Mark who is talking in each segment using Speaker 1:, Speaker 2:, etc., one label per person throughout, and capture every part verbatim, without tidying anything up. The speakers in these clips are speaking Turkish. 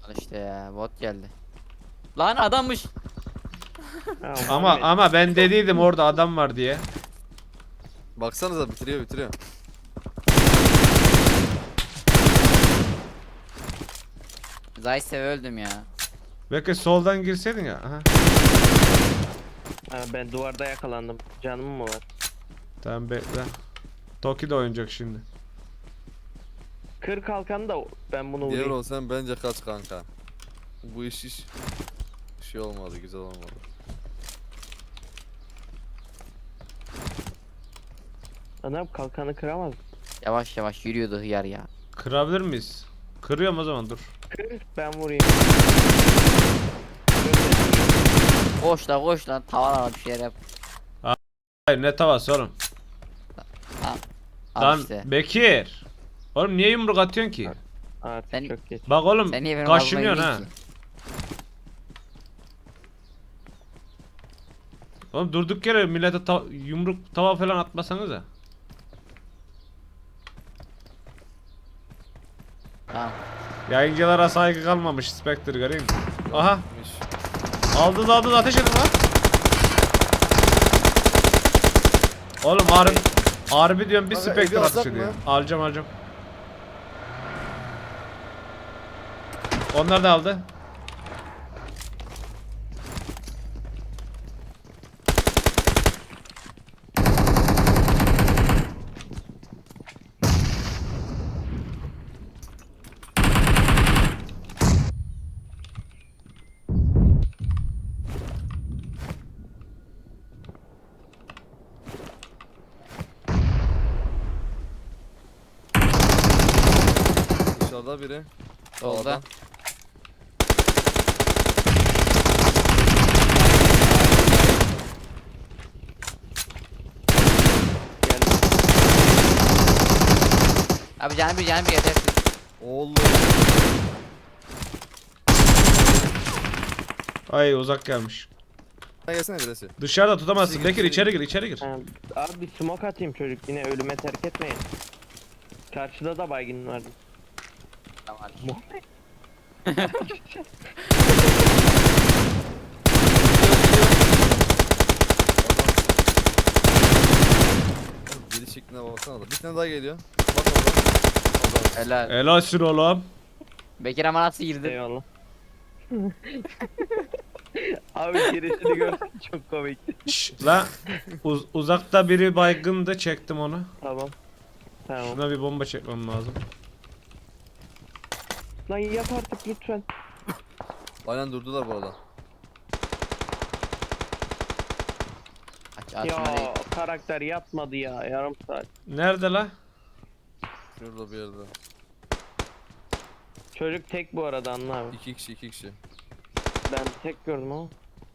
Speaker 1: Al işte ya, bot geldi. Lan adammış.
Speaker 2: Ha,
Speaker 3: Ama
Speaker 2: Muhammed.
Speaker 3: ama ben dediydim orada adam var diye.
Speaker 4: Baksanıza bitiriyor bitiriyor.
Speaker 1: Zayse öldüm ya.
Speaker 3: Belki soldan girseydin ya. Aha.
Speaker 2: Ha, ben duvarda yakalandım. Canım mı var?
Speaker 3: Tamam bekle. Toki de oynayacak şimdi.
Speaker 2: Kır kalkanı da ben bunu
Speaker 4: Diğer
Speaker 2: vurayım.
Speaker 4: olsan bence kaç kanka. Bu iş iş şey olmadı, güzel olmadı.
Speaker 2: Adam kalkanı kıramaz.
Speaker 1: Yavaş yavaş yürüyordu hıyar ya.
Speaker 3: Kırabilir miyiz? Kırıyorum o zaman dur.
Speaker 2: Kır ben vurayım.
Speaker 1: Koş la koş lan, tavan bir şeyler yap.
Speaker 3: Hayır ne tavası oğlum.
Speaker 1: Al
Speaker 3: Lan
Speaker 1: işte.
Speaker 3: Bekir. Oğlum niye yumruk atıyorsun ki?
Speaker 2: Artık
Speaker 1: Sen-
Speaker 2: çok geç.
Speaker 3: Bak oğlum
Speaker 1: Sen niye benim
Speaker 3: kaşınıyorsun
Speaker 1: ağzıma
Speaker 3: ha.
Speaker 1: yedin ki?
Speaker 3: Oğlum durduk yere millete ta yumruk tava falan atmasanız da.
Speaker 1: Tamam.
Speaker 3: Yayıncılara saygı kalmamış Spectre göreyim. Aha
Speaker 4: Miş.
Speaker 3: aldınız aldınız ateş edin lan. Oğlum harbi harbi diyorum bir
Speaker 4: Kanka,
Speaker 3: Spectre
Speaker 4: evi
Speaker 3: ateş
Speaker 4: alsak
Speaker 3: ediyor.
Speaker 4: mı?
Speaker 3: Alacağım alacağım. Onlar da aldı.
Speaker 4: Dışarıda biri.
Speaker 1: Solda.
Speaker 4: Sağda.
Speaker 2: Geldim.
Speaker 1: Abi canım bir canım bir yeter.
Speaker 4: Oğlum.
Speaker 3: Ay uzak gelmiş.
Speaker 4: Sen gelsene birisi.
Speaker 3: Dışarıda tutamazsın.
Speaker 4: İçeri gir,
Speaker 3: Bekir
Speaker 4: içeri
Speaker 3: içeri gir içeri gir.
Speaker 2: Ha, abi bir smoke atayım çocuk yine ölüme terk etmeyin. Karşıda da baygın vardı.
Speaker 1: Tamam.
Speaker 4: Geri şekline baksana da. Bir tane daha geliyor. Bak orada.
Speaker 1: Helal.
Speaker 3: Helalsin oğlum.
Speaker 1: Bekir ama nasıl girdi?
Speaker 2: Eyvallah. Abi girişini görsen çok komik.
Speaker 3: Şşş la uz- uzakta biri baygındı çektim onu.
Speaker 2: Tamam. Tamam.
Speaker 3: Şuna bir bomba çekmem lazım.
Speaker 2: Lan yap artık lütfen.
Speaker 4: Aynen durdular bu arada.
Speaker 1: Aç aç
Speaker 2: Ya
Speaker 1: şunları.
Speaker 2: karakter yapmadı ya yarım saat.
Speaker 3: Nerede la?
Speaker 4: Şurada bir yerde.
Speaker 2: Çocuk tek bu arada anla abi.
Speaker 4: İki kişi iki kişi.
Speaker 2: Ben tek gördüm ama.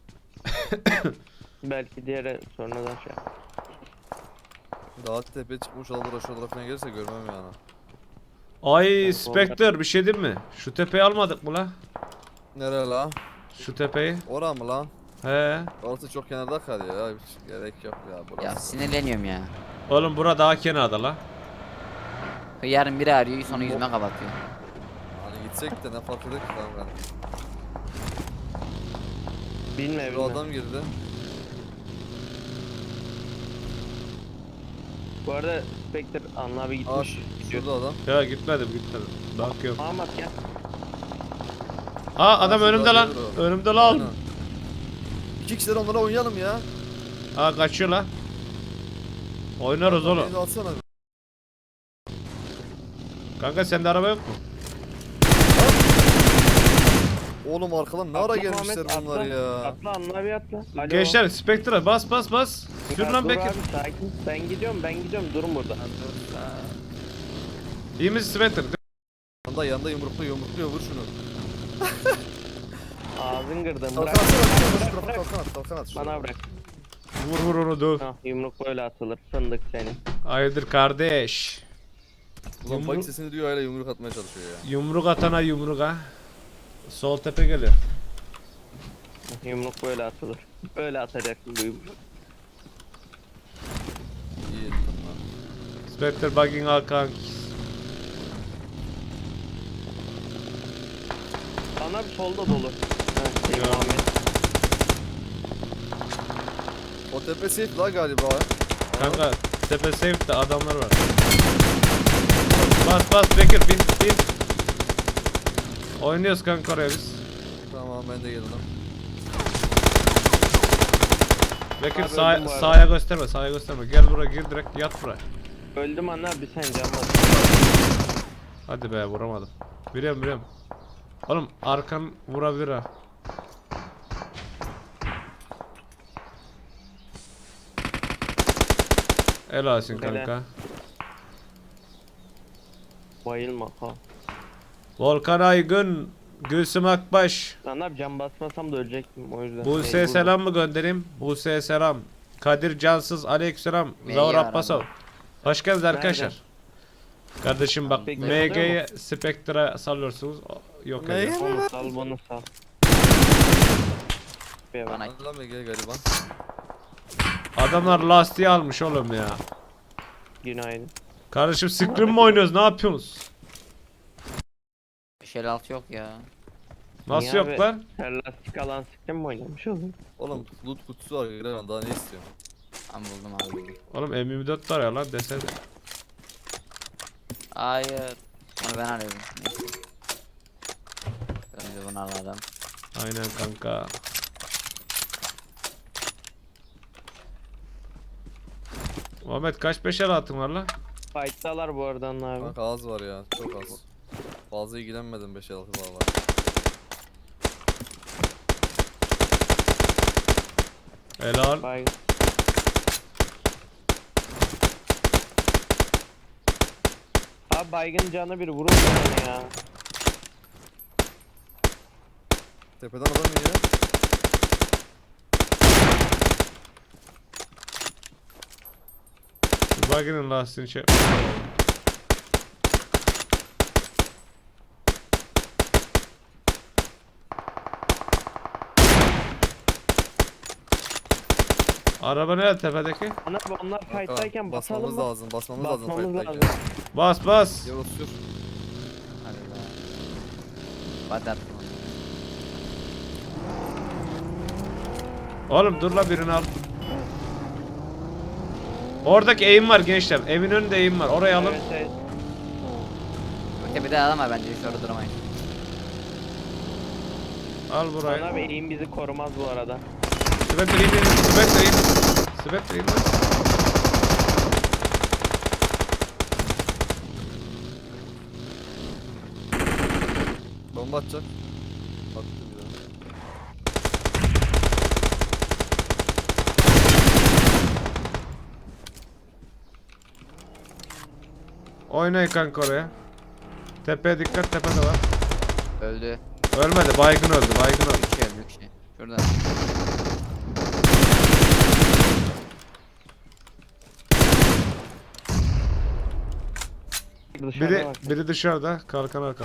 Speaker 2: Belki diğeri sonradan şey yap.
Speaker 4: Daha tepeye çıkmış olabilir, aşağı tarafına gelirse görmem yani.
Speaker 3: Ay
Speaker 2: Ben
Speaker 3: Spectre bir şey diyeyim mi? Şu tepeyi almadık mı la?
Speaker 4: Nere la?
Speaker 3: Şu tepeyi.
Speaker 4: Ora mı lan?
Speaker 3: He.
Speaker 4: Orası çok kenarda kalıyor ya, hiç gerek yok ya burası.
Speaker 1: Ya sinirleniyorum ya.
Speaker 3: Oğlum bura daha kenarda la.
Speaker 1: Hıyarın biri arıyor sonra yüzüme kapatıyor.
Speaker 4: Hani gitsek de ne fark eder ki kanka.
Speaker 2: Bilme
Speaker 4: Bir
Speaker 2: bilme.
Speaker 4: adam girdi.
Speaker 2: Bu arada Spectre Anla abi
Speaker 4: Aa
Speaker 2: gitmiş. Gidiyor.
Speaker 4: şurada adam.
Speaker 3: Ya gitmedim gitmedim. Bakıyorum.
Speaker 2: Ahmet gel.
Speaker 3: Aa adam
Speaker 4: Aa,
Speaker 3: önümde
Speaker 4: şurada
Speaker 3: lan.
Speaker 4: gelir o.
Speaker 3: Önümde lan.
Speaker 4: Aynen. İki kişiler onlara oynayalım ya.
Speaker 3: Aa kaçıyor la. Oynarız oğlum.
Speaker 4: Beni de atsana.
Speaker 3: Kanka sende araba yok mu?
Speaker 4: Oğlum arkadan ne ara
Speaker 2: Atla
Speaker 4: gelmişler
Speaker 2: Muhammed,
Speaker 4: bunlar
Speaker 2: atla.
Speaker 4: ya.
Speaker 2: Atla Anla abi atla. Alo.
Speaker 3: Gençler Spectre'a bas bas bas. Sür
Speaker 2: Ya
Speaker 3: lan
Speaker 2: dur
Speaker 3: Bekir.
Speaker 2: abi sakin. Ben gidiyorum ben gidiyorum durun burada.
Speaker 3: İyi misin Spectre?
Speaker 4: Yanında yanında yumrukluyor yumrukluyor vur şunu.
Speaker 2: Ağzın kırdım
Speaker 4: Kalkan
Speaker 2: bırak.
Speaker 4: atsana şu
Speaker 2: Bırak,
Speaker 4: tarafa
Speaker 2: bırak.
Speaker 4: kalkan at kalkan at.
Speaker 2: Bana bırak.
Speaker 3: Vur vur onu döv.
Speaker 2: Ah, yumruk böyle atılır fındık seni.
Speaker 3: Hayırdır kardeş.
Speaker 4: Ulan
Speaker 3: Yumruk-
Speaker 4: bak sesini duyuyor hala yumruk atmaya çalışıyor ya.
Speaker 3: Yumruk atana yumruk ha. Sol tepe geliyor.
Speaker 2: Yumruk böyle atılır. Böyle atacaksın bu yumruğu.
Speaker 4: İyi ettin lan.
Speaker 3: Spectre bugging Hakan.
Speaker 2: Lan Sana bir solda dolu. Ha, şey,
Speaker 3: Ya.
Speaker 2: Muhammed.
Speaker 4: O tepe safe la galiba.
Speaker 3: Kanka tepe safe'de adamlar var. Bas bas Bekir bin bin. Oynuyoruz kanka oraya biz.
Speaker 4: Tamam ben de geldim.
Speaker 3: Bekir
Speaker 2: Abi
Speaker 3: sağ,
Speaker 2: öldüm bu arada.
Speaker 3: sağa gösterme sağa gösterme. Gel buraya gir direkt yat buraya.
Speaker 2: Öldüm anne abi sen can bas.
Speaker 3: Hadi be vuramadım. Biliyorum biliyorum. Oğlum arkan vurabilir ha. Helalsin
Speaker 2: Helal.
Speaker 3: kanka.
Speaker 2: Bayılma ha.
Speaker 3: Volkan Aygün, Gülsüm Akbaş,
Speaker 2: Lan abi can basmasam da ölecektim o yüzden.
Speaker 3: Buse'ye
Speaker 2: Mecburdum.
Speaker 3: selam mı göndereyim? Buse'ye selam. Kadir Cansız, aleykümselam.
Speaker 1: Beni
Speaker 3: Zavur
Speaker 1: aradı.
Speaker 3: Abbasov. Hoş geldiniz arkadaşlar. Kardeşim bak
Speaker 2: Spectre
Speaker 3: M
Speaker 2: alıyor
Speaker 3: G'ye Spectre'a sallıyorsunuz. O- Yok
Speaker 4: M G
Speaker 3: ediyor.
Speaker 4: mi?
Speaker 2: Onu sal bunu sal. Bir bak.
Speaker 1: Bana
Speaker 4: Lan Ege galiba.
Speaker 3: Adamlar lastiği almış oğlum ya.
Speaker 2: Günaydın.
Speaker 3: Kardeşim Scream mi oynuyoruz? Ne yapıyorsunuz?
Speaker 1: beş elli altı yok ya.
Speaker 3: Nasıl
Speaker 2: Niye
Speaker 3: yok
Speaker 2: abi?
Speaker 3: lan?
Speaker 2: Her lastik alan sıktın mı oynamış oğlum?
Speaker 4: Oğlum loot kutusu var Ege, daha ne istiyorsun?
Speaker 1: Ben buldum abi buldum.
Speaker 3: Oğlum M yirmi dört var ya lan desene.
Speaker 1: Hayır. Onu ben arıyordum. Neyse. Önce bunu aradım.
Speaker 3: Aynen kanka. Muhammed kaç beşer atın var lan?
Speaker 2: Fight'talar bu arada anne abi.
Speaker 4: Kanka az var ya, çok az. Fazla ilgilenmedim beş altı valla.
Speaker 3: Helal.
Speaker 2: Bay. Abi baygın canı bir vurun bana ya.
Speaker 4: Tepeden adam iniyor.
Speaker 3: Şu baginin lastiğini şey... Araba nerede tepedeki?
Speaker 2: Ana abi onlar
Speaker 4: Kanka,
Speaker 2: fight'tayken basalım
Speaker 4: basmamız
Speaker 2: mı?
Speaker 4: lazım, basmamız,
Speaker 2: Basmamız
Speaker 4: lazım
Speaker 2: lazım.
Speaker 4: fight'tayken.
Speaker 3: Bas bas.
Speaker 4: Yavuz sür.
Speaker 1: Hadi be. Hadi attım onu.
Speaker 3: Oğlum dur la birini al. Oradaki eğim var gençler. Evin önünde eğim var. Oraya alın.
Speaker 2: Evet, evet.
Speaker 1: Öte bir de adam var bence hiç orada durmayın.
Speaker 3: Al
Speaker 2: Ana
Speaker 3: burayı.
Speaker 2: abi eğim bizi korumaz bu arada.
Speaker 3: Spectre in. Spectre in. Spectre in.
Speaker 4: Bomba atacak. Attı bir daha.
Speaker 3: Oynayın kanka oraya. Tepeye dikkat, tepede var.
Speaker 1: Öldü.
Speaker 3: Ölmedi, baygın öldü, baygın öldü.
Speaker 1: Bir şey öldü bir şey. Şuradan.
Speaker 2: Dışarıda
Speaker 3: Biri,
Speaker 2: bak.
Speaker 3: biri dışarıda, kalkan arkan.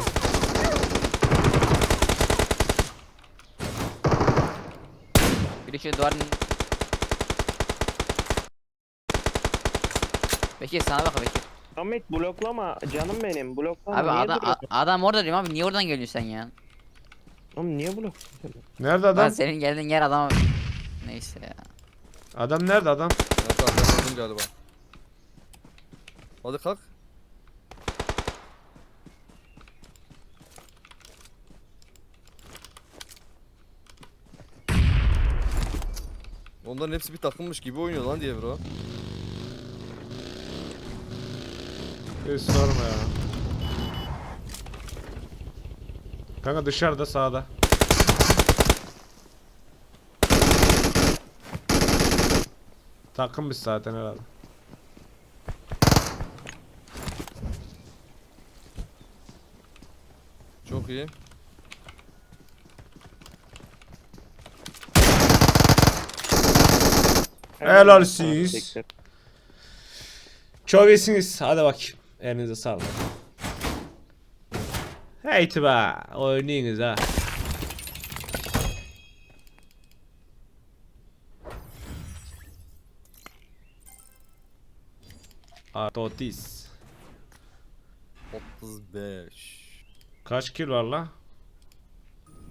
Speaker 1: Biri şu duvarın... Bekir sana bak Bekir.
Speaker 2: Ahmet bloklama canım benim bloklama.
Speaker 1: Abi
Speaker 2: niye
Speaker 1: adam,
Speaker 2: duruyorsun?
Speaker 1: a- adam orada diyorum abi niye oradan geliyorsun sen ya?
Speaker 2: Oğlum niye blokluyorsun sen?
Speaker 3: Nerede
Speaker 1: Lan
Speaker 3: adam?
Speaker 1: senin geldiğin yer adam... Neyse ya.
Speaker 3: Adam nerede adam?
Speaker 4: Ben kalk, ben öldüm galiba. Hadi kalk. Onların hepsi bir takımmış gibi oynuyor lan diye bro.
Speaker 3: Hiç sorma ya. Kanka dışarıda, sağda. Takım biz zaten herhalde.
Speaker 4: Çok iyi.
Speaker 3: Helal siz. Çok iyisiniz. Hadi bakayım. Elinize sağlık. Heyti be. Oynayınız ha. Atotis.
Speaker 4: otuz beş.
Speaker 3: Kaç kilo var la?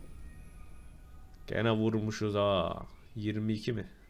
Speaker 3: Gene vurmuşuz ha. yirmi iki mi?